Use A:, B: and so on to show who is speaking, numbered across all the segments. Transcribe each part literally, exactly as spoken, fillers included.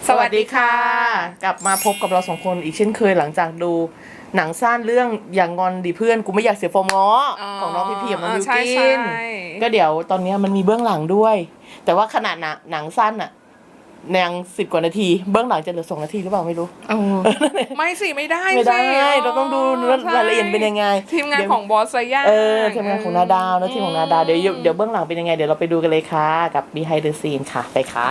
A: สวัสดีค่ะกลับมาพบกับเราสองคนอีกเช่นเคยหลังจากดูหนังสั้นเรื่องอย่างงอนดิเพื่อนกูไม่อยากเสียฟอร์มง้อของน้องพี่พีกับน้องบิวกินก็เดี๋ยวตอนนี้มันมีเบื้องหลังด้วย แต่ว่าขนาดหนังสั้นอะนางสิบกว่านาทีเบื้องหลังจะเหลือสองนาทีหรือเปล่าไม่รู้
B: ไม่สิไม่ได้
A: ไม่ได้เราต้องดูรายละเอียดเป็นยังไง
B: ทีมงานของบอสไซย่า
A: เออทีมงานของนาดาวนะทีมของนาดาวเดี๋ยวเดี๋ยวเบื้องหลังเป็นยังไงเดี๋ยวเราไปดูกันเลยค่ะกับ Behind the Scene ค่ะไปค่ะ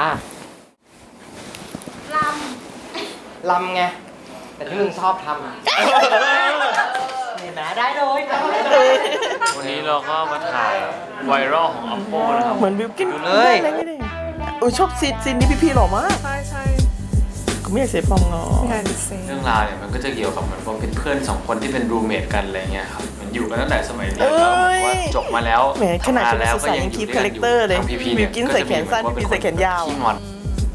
C: ล
A: ำลำไง
D: แต่ที่มึงชอบทำอ่ะเห็นไหมได้เลย
E: วันนี้เราก็มาถ่ายไวรัลของ Oppo นะครับ
A: เหมือนบิวกิน
D: เลย
A: โอ้ชอบซีนซีนนี้พี่พีหล่อมาก
B: ใช่ใช่
A: กูไม่อยากเสียฟอร์มงอ
E: เรื่องราวเนี่ยมันก็จะเกี่ยวกับเหมือนว่าเป็นเพื่อนสองคนที่เป็นรูเมทกันอะไรเงี้ยครับมันอยู่กันตั้งแต่สมัยเรียนแล้วบอกว่าจบมาแล้ว
A: ขนาดชุดนักศึกษายังคีปคาแรคเตอร์เลยบิวกินใส่แขนสั้นพี่พีใส่แขนยาว
E: ขี้งอน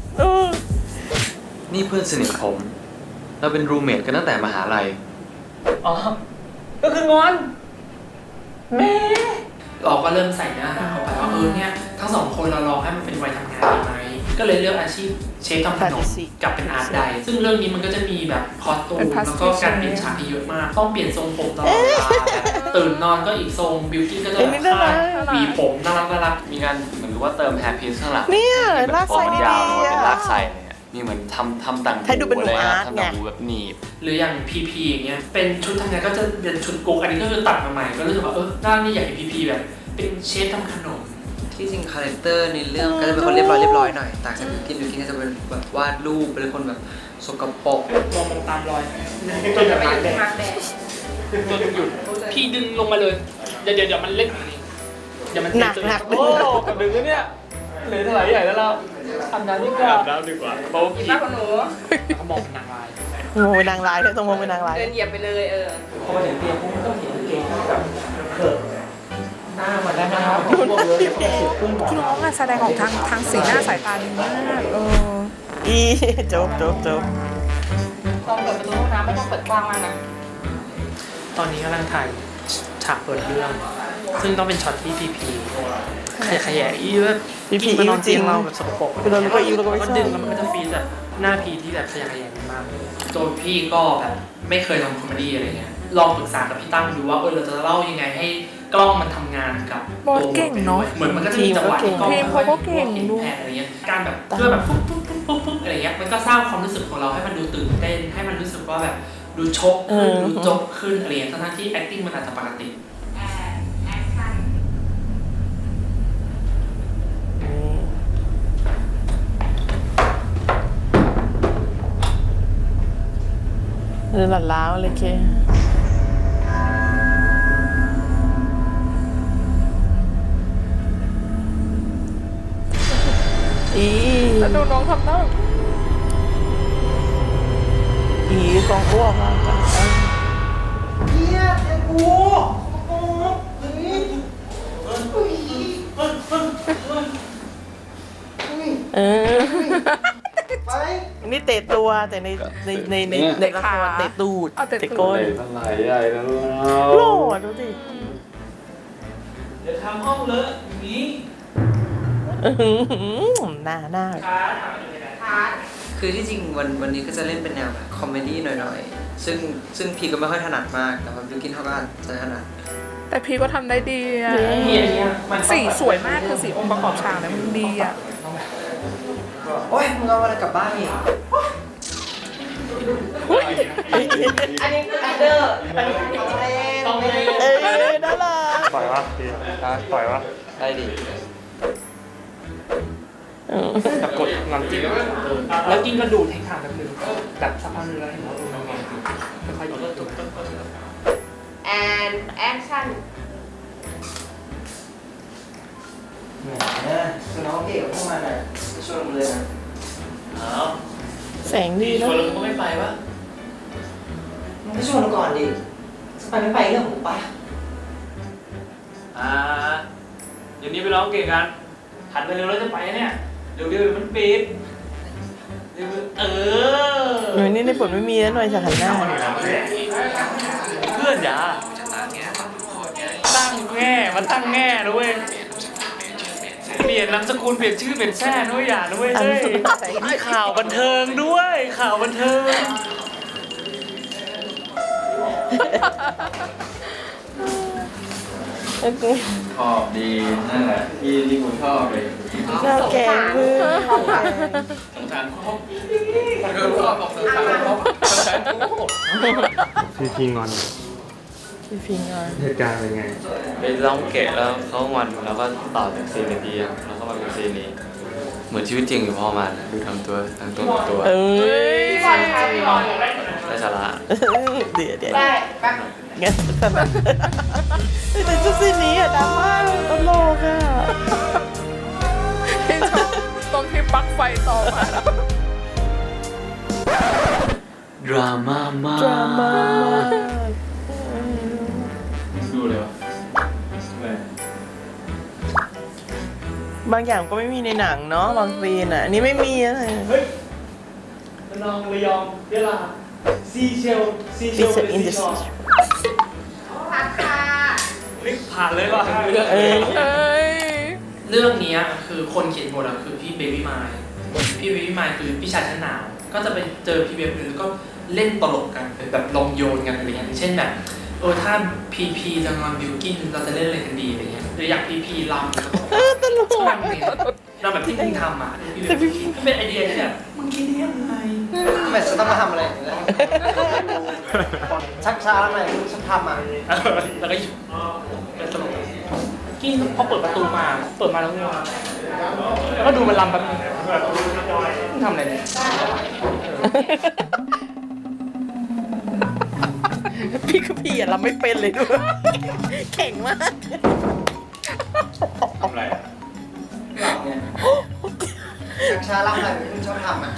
E: นี่เพื่อนสนิทผมเราเป็นรูเมทกันตั้งแต่มหาลัย
D: อ๋อก็คืองอนแม่
F: เราก็เริ่มใส่เนื้อหาเข้าไปว่าเออเนี่ยทั้งสองคนเราลองให้มันเป็นวัยทำงานดีไหมก็เลยเลือกอาชีพเชฟทำขนมกับเป็นอาร์ตไดซึ่งเรื่องนี้มันก็จะมีแบบคอสตูมแล้วก็การเปลี่ยนฉากที่เยอะมากต้องเปลี่ยนทรงผมตลอดเวลาตื่นนอนก็อีกทรงบิวกิ้นก็จะแบบคาดหวีผมน่ารักน่ารัก
E: มีการเหมือนกับว่าเติมแฮร์พีซข้างหลัง
A: เนี่ยลากใส่ดีๆ
E: เป็นลากใส่มีเหมือนทำทำต่าง
A: หูเลย
E: ทำต่างหูแบบหนีบ
F: หรืออย่างพีพีอย่างเงี้ยเป็นชุดทำงานก็จะเป็นชุดกุ๊กอันนี้ก็คือตัดมาใหม่ก็รู้สึกว่าเออด้านนี้อยากเห็นพีพีแบบเป็นเชฟทำขนม
D: ที่จริงคาแรคเตอร์ในเรื่องก็จะเป็นคนเรียบร้อยเรียบร้อยหน่อยต่างจากบิวกินบิวกินก็จะเป็นแบบวาดรูปเป็นคนแบบสกปรก
F: มองตามรอยจนแบบมาแดงจนหยุดพี่ดึงลงมาเลยเดี๋ยวเดี๋ยวมันเล่นเดี๋ยวมัน
A: หนักหนัก
F: โอ้กับดึงเนี่ยเหลือเท่าไหร่ใหญ่แล้วเราทำน้ำดีกว่า
E: น้ำดีกว่า
F: เบาผีหนูเขามองเป็นนางร้าย
A: โอ้ยนางร้ายเลยต้องมองเป็นนางร้าย
C: เดินเหยียบไปเลยเออ
F: พอมาถึงเตียงผมต้องเห็นเกงแบบเขินหน้ามันได้ไหมครับ
B: คุณน้องอะแสดงออกทางทางสีหน้าสายตาดีมากเออ
A: อีจบจบจบ
C: ตอนเปิดประตูห้องน้ำไม่ต้องเปิดกว้างมากนะ
F: ตอนนี้กำลังถ่ายฉากเปิดเรื่องซึ่งต้องเป็นช็อตที่พีพีขยะขยะอีว่า
A: พีพี
F: มานอนเตียงเราแบบสกปรก
A: คือเราก็อีเราก็ไม่ชอบ
F: ก็ดึงแล้วมันก็จะฟีดแบบหน้าพีที่แบบขยะขยะมากตัวพี่ก็แบบไม่เคยทำคอมเมดี้อะไรเงี้ยลองปรึกษากับพี่ตั้มดูว่าเออเราจะเล่ายังไงให้กล้องมันทำงานกับบ
B: อสเก่งเนาะ
F: เหมือนมันก็จะมีจังหวะที่กล้อง
B: เขาก็เก่งดู
F: แผนอะไรเงี้ยการแบบเพื่อแบบปุ๊บปุ๊บปุ๊บปุ๊บปุ๊บอะไรเงี้ยมันก็สร้างความรู้สึกของเราให้มันดูตื่นเต้นให้มันรู้สึกว่าแบบดูชกขึ้นดูจบขึ้นอะไรเงี้ยทั้งที่ acting มันอาจจะปกติ
A: เออหลันล้าวเลยเคอี
B: แล้วดูน้องทำหน้า
A: อีกองอ้วกมากกัน
D: เฮียเจ้ากู
A: เออนี่เตะตัวแต่ในในในในในละครเตะตูดเตะก้น
E: ไหลใหญ่แล้ว
A: โหล่ดูดิ
F: เดี๋ยวทำห้องเลอะอย่างนี้
A: หน้าหน้า
D: คือที่จริงวันวันนี้ก็จะเล่นเป็นแนวแบบคอมเมดี้หน่อยๆซึ่งซึ่งพีก็ไม่ค่อยถนัดมากแต่ว่าบิวกินเขาก็จะถนัด
B: แต่พีก็ทำได้ดีอ่ะสีสวยมากคือสีองค์ประกอบฉากเนี่ยมันดีอ่ะ
D: โอ้ยมึงเอาอะไรกลับบ้านอีก
C: อันนี้คืออันเดอร์
A: ต้องเล่นเออน่ารัก
E: ปล่อยวะพี่ปล่อยวะ
D: ได้ดิ
F: แต่กดงอนจริงแล้วกินกระดูดแทงขาแบบนึงแบบสักพักนึงแล้วเห็นว่าตรงนั้นค่อยๆยกตัว
C: and action
D: แหมน้องเก๋เข้ามาหน่อยช่วยลงเลยนะ
A: แสงดีนะ
F: ชวนเราก็ไม่ไปวะ
D: มึงก็ชวนก่อนดิจะไปไม่ไปเรื่องของปะ
F: อ่าเดี๋ยวนี้ไปร้องเก่งกันหันไปเร็วแล้วจะไปเนี่ยเดี๋ยวเดี๋ยวมันปิดเออ
A: หน่วยนี่ในบทไม่มีแล้วหน่วยจะหันหน้า
F: เพื่อนอย่าตั้งแง่มันตั้งแง่ด้วยเปลี่ยนลี่ยนนามสกุลเปลี่ยนชื่อเปลี่ยนแท้ด้วยอย่าด้วยเฮ้ยมีข่าวบันเทิงด้วยข่าวบันเทิง
E: ชอบดีนั่นแหละที่ที่คุณชอบเลย
A: ชอบแกงเพื่อน
E: สงสารครบเดินชอบบอกสงสารครบสงสารครบ
G: พี่พีงอน
A: พี่พิงอ่ะ
G: เหตุการณ์เป็นไง
E: ไปร้องเกะแล้วเขางอนแล้วก็ต่อจากซีนในดีแล้วก็มาเป็นซีนนี้ เหมือนชีวิตจริงอยู่พอมาดูทำตัวทำตัวทำตัว
A: เอ้ย
C: พี่บอลคะพี่บอล
E: ได้สาระ
A: เดี๋ยวเดี๋ยว
C: ได้แป๊บ
A: งั้นสนับแต่ชุดสีนี้อะดราม่าตลกอะ
B: ที่ชอบตรงที่ปลั๊กไฟต่อมาแล้ว
E: ดราม่ามาก
A: ดราม่ามาก
E: ดูเลยวะ
A: บางอย่างก็ไม่มีในหนังเนาะบางซีนอะอันนี้ไม่มีอะไร
F: นองระยองเวลาซีเชลซีเช
A: ฟิ
F: ล
A: เซอร์อินดัสทรี
C: พักค่ะ
F: ลิกผ่านเลยว่ะ
A: เอ้ย
B: เอ้ย
F: เรื่องนี้คือคนเขียนบทอะคือพี่เบบี้มายพี่เบบี้มายคือพี่ชายชั้นหนาวก็จะไปเจอพี่เบบี้แล้วก็เล่นตลกกันแบบลองโยนกันอะไรเงี้ยอย่างเช่นแบบเออถ้าพีพีจะงอนบิวกินเราจะเล่นอะไรกันดีอะไรเงี้ยหรืออยากพีพีลำ
A: ตลก
F: ชอบเนี่ยเราแบบที่มึงทำอ่ะพี่เบบี้ก็เป็นไอเดียที่แบบมึงคิดได้ยังไง
D: ทำไมฉันต้องมาทำอะไรอย่างเงี้ยชักช้าทำไมมึงฉันทำอ่ะ
F: แล้วก็หยุดเป็นตลกกินพอเปิดประตูมาเปิดมาแล้วง่วงแล้วก็ดูมันลำแบบนึงมึงทำอะไรเนี่ย
A: พี่คือพี่อะเราไม่เป็นเลยด้วยแข็งมาก
E: ทำไรอ่ะ
D: หลับเนี่ยชักช้าทำอะไรมึงชอบทำอ่ะ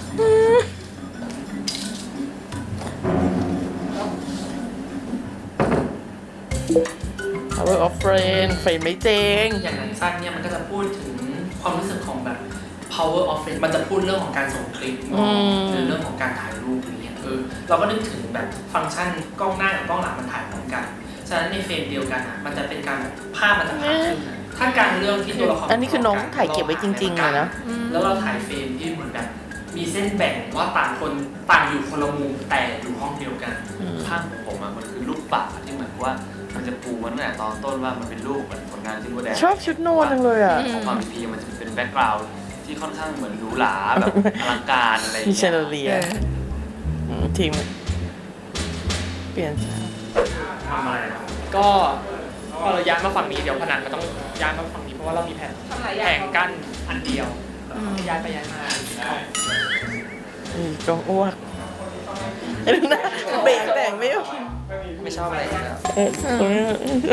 A: Power of Friend ไฟไม่เจง
F: อย่างหนังสั้นเนี่ยมันก็จะพูดถึงความรู้สึกของแบบ power of friend มันจะพูดเรื่องของการส่งคลิป
A: อืม
F: หรือเรื่องของการถ่ายรูปอย่างเงี้ยเออเราก็นึกถึงแบบฟังก์ชันกล้องหน้ากับกล้องหลังมันถ่ายพร้อมกันฉะนั้นในเฟรมเดียวกันอ่ะมันจะเป็นการแบบภาพมันจะพาขึ้นนะถ้าการเรื่องที่ตัวละคร
A: อันนี้คือน้องถ่ายเก็บไว้จริงๆเลยนะ
F: แล้วเราถ่ายเฟรมที่เหมือนแบบมีเส้นแบ่งว่าต่างคนต่างอยู่คนละมุมแต่อยู่ห้องเดียวกัน
E: ภาพของผมอะมันคือลูกป่าที่เหมือนว่ามันจะปูมันตั้งแต่ตอนต้นว่ามันเป็นรูปเหมือนผลงานที่โบแดง
A: ชอบชุดโนนจังเลยอ่ะ
E: ของความพีมันจะเป็นแบ็กกราวด์ที่ค่อนข้างเหมือนหรูหราแบบอลังการอะไรอย่าง
A: พี่
E: เงี้
A: เชนเลีย
E: ย
A: อืมทีมเปลี่ยน
F: ทำอะไรนะก็พอเราย้ายมาฝั่งนี้เดี๋ยวผนังก็ต้องย้ายมาฝั่งนี้เพราะว่าเรามีแผง
C: ทำหลายอ
F: แผ
C: ย่าง
F: งกั้นอันเดียวย้ายไปย้ายมา
A: อืมจงอ้วกเอ้ยนะเบรกแต่งไม่ออก
D: ไม่ชอบอะไรอยู่แล้ว
A: เออตรงนี้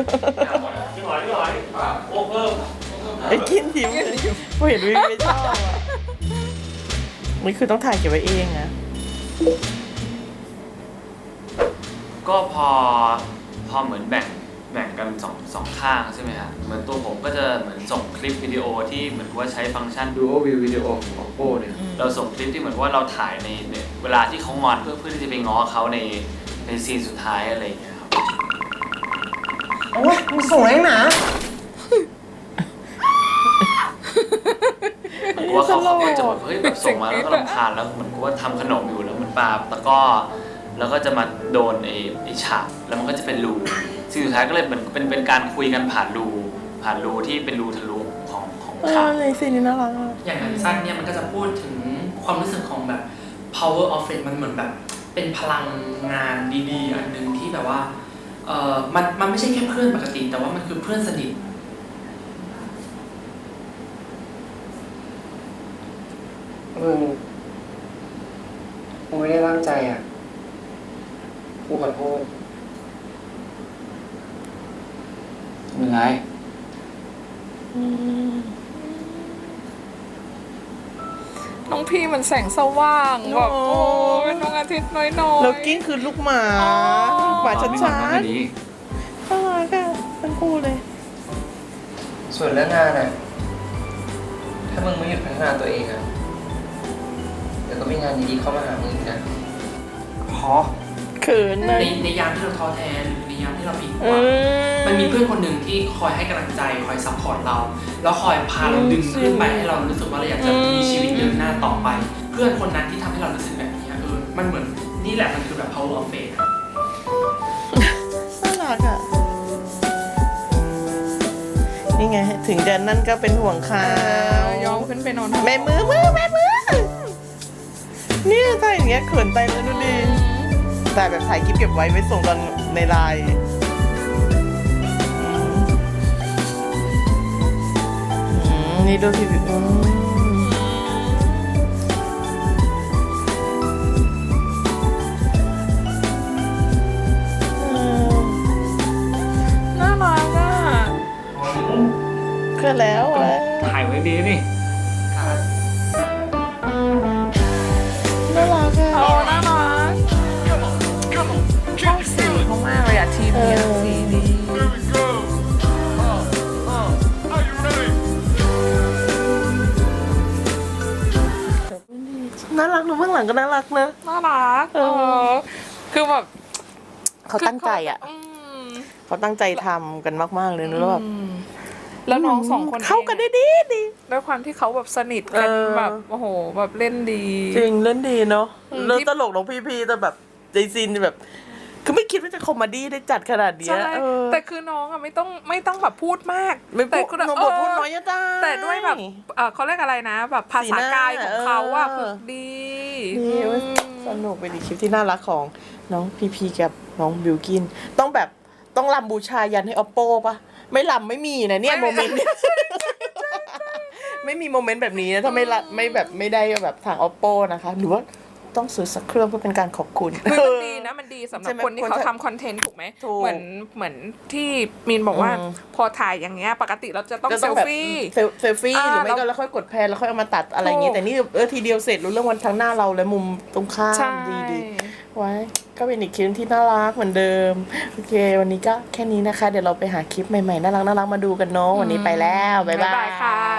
A: ไอ้กินทิมพอเห็นวิวไม่ชอบอ่ะนี่คือต้องถ่ายเก็บไว้เองนะ
E: ก็พอพอเหมือนแบ่งแบ่งกันสองสองข้างใช่ไหมฮะเหมือนตัวผมก็จะเหมือนส่งคลิปวิดีโอที่เหมือนว่าใช้ฟังก์ชัน Duo View Video ของ Oppo เนี่ยเราส่งคลิปที่เหมือนว่าเราถ่ายในในเวลาที่เขางอนเพื่อเพื่อที่จะไปง้อเขาในในซีนสุดท้ายอะไรอย่างเงี้ยครับ
D: โอ้ยมึงส่งอะไรหนา
E: เหมือนกับว่าเขาเขาก็จะแบบเฮ้ยแบบส่งมาแล้วก็รำคาญแล้วเหมือนกับว่าทำขนมอยู่แล้วมันปาตะกร้อแล้วก็จะมาโดนไอ้ไอ้ฉากแล้วมันก็จะเป็นรูซีนสุดท้ายก็เลยเหมือนเป็นเป็นการคุยกันผ่านรูผ่านรูที่เป็นรูทะลุของของ
A: เอ
E: ฉา
A: อก ในซีนนี้น่ารักอะ
F: อย่างหนังสั้นเนี่ยมันก็จะพูดถึงความรู้สึกของแบบ power of friend มันเหมือนแบบเป็นพลังงานดีๆอันหนึ่งที่แบบว่าเออมันมันไม่ใช่แค่เพื่อนปกติ แต่ว่ามันคือเพื่อนสนิท
D: มึงกูไม่ได้ตั้งใจอ่ะกูขอโทษ
E: ไม่เป็นไร
A: อืม
B: น้องพี่มันแสงสว่างแบบโอ้เป็นดวงอาทิตย์น้อยๆ
A: แล้วกิ้งคือลูกหมา
B: อ๋อ
A: หมาชัด
E: ไม่
A: ชั
E: หวัง
A: ด
E: ว่าไม่ดี
A: น่ารักอะทั้งคู่เลย
D: ส่วนเรื่องงานอ่ะ ถ้ามึงไม่หยุดพัฒนาตัวเองอ่ะ เดี๋ยวก็มีงานดีๆเข้ามาหามึงอีกนะ
A: พอเขิน
F: ใน
A: นะ
F: ในยามที่เราท้อแท้หรือในยามที่เราผิดห
A: อื
F: วัง
A: ม
F: มันมีเพื่อนคนหนึ่งที่คอยให้กำลังใจคอยซัพพอร์ตเรา แล้วคอยพาเราดึงขึ้นไปให้เรารู้สึกว่าเราอยากจะมีชีวิตเดินหน้าต่อไป เพื่อนคนนั้นที่ทำให้เรารู้สึกแบบนี้เออมันเหมือนนี่แหละมันคือแบบ power of faith อะ
A: น่ารักอ่ะ นี่ไง ถึงจะนั่นก็เป็นห่วงเขา
B: ยอมขึ้นไปนอน
A: แม่มือมือแม่มือเนี่ยถ้าอย่างเงี้ยเขินใจเลยดูดิแต่แบบถ่ายคลิปเก็บไว้ไว้ส่งตอนในไลน์อืมอืมนี่ดูพี่อืมอืม
B: น่ารักอ่ะ
A: ก็แล้วแล้ว
E: ถ่ายไว้ดีนี่
A: น่ารัก
B: โอ้
A: อ่ะ
B: น่ารักชอบสีเขามากเลยอะทีมเนี้ย
A: เออ
B: สีดี
A: น่ารักดูเบื้องหลังก็น่ารักนะ
B: น่ารัก
A: เอ
B: เอ
A: อ
B: อคือแบบ
A: เขาตั้งใจอ่ะ
B: อืม
A: เขาตั้งใจทำกันมากๆเลยนะแล้วแบบ
B: อืมแล้วน้องสองคน
A: เข้ากันได้ดีดี
B: ด้วยความที่เขาแบบสนิทกัน
A: เออ
B: แบบโอ้โหแบบเล่นดี
A: จริงเล่นดีเนาะ
B: อืม
A: เล่น
B: ที่
A: ตลกน้องพี่พีแต่แบบใจซีนแบบ คือไม่คิดว่าจะคอมเมดี้ได้จัดขนาดเนี้ย
B: ใช่
A: เออ
B: แต่คือน้องอะไม่ต้องไม่ต้องแบบพูดมาก
A: ไม่
B: แต่
A: พูด
B: คือ
A: น้อง
B: เอบ
A: ท
B: อ
A: พูดน้อยจะได้
B: แต่ด้วยแบบเออเขาเรียกอะไรนะ แบบภาษากายของเขาอะ
A: สีหน้า
B: คือดี
A: ดีเว้ย
B: อืม
A: สนุกเป็นอีกคลิปที่น่ารักของน้องพีพีกับน้องบิวกิน ต้องแบบต้องรำบูชายันให้ออปโปปะไม่รำไม่มีนะเนี่ยโมเมนต์เนี่ยไม่มีโมเมนต์แบบนี้นะถ้าไม่ละไม่แบบไม่ได้แบบทาง oppo นะคะ หรือว่าต้องซื้อสักเครื่องเพื่อเป็นการขอบคุณ
B: คือมันดีนะมันดีสำหรับ
A: ใช่ไหม
B: คนที่เขา
A: คนจะ
B: ทำคอนเทนต์ถูกไหม
A: ถูก
B: เหมือนเหมือนที่มีนบอกว่า
A: อืม
B: พอถ่ายอย่างเงี้ยปกติเราจะต้อง
A: จะ
B: เซ
A: ต้อง
B: ล
A: แบบ
B: ฟี่
A: เซลเซลฟี่
B: อ่า
A: หรือไม่ก็
B: แล้ว
A: แล้วค่อยกดแพนแล้วค่อยเอามาตัดอะไรอย่างเงี้ย
B: ถูก
A: แต่นี่เออทีเดียวเสร็จรู้เรื่องวันทั้งหน้าเราและมุมตรงข้า
B: ใช่
A: มดีดีไว้ก็เป็นอีกคลิปที่น่ารักเหมือนเดิมโอเค วันนี้ก็แค่นี้นะคะ เดี๋ยวเราไปหาคลิปใหม่ๆน่ารักน่ารักมาดูกันเนาะวันนี้ไปแล้วบ๊ายบาย
B: ค่ะ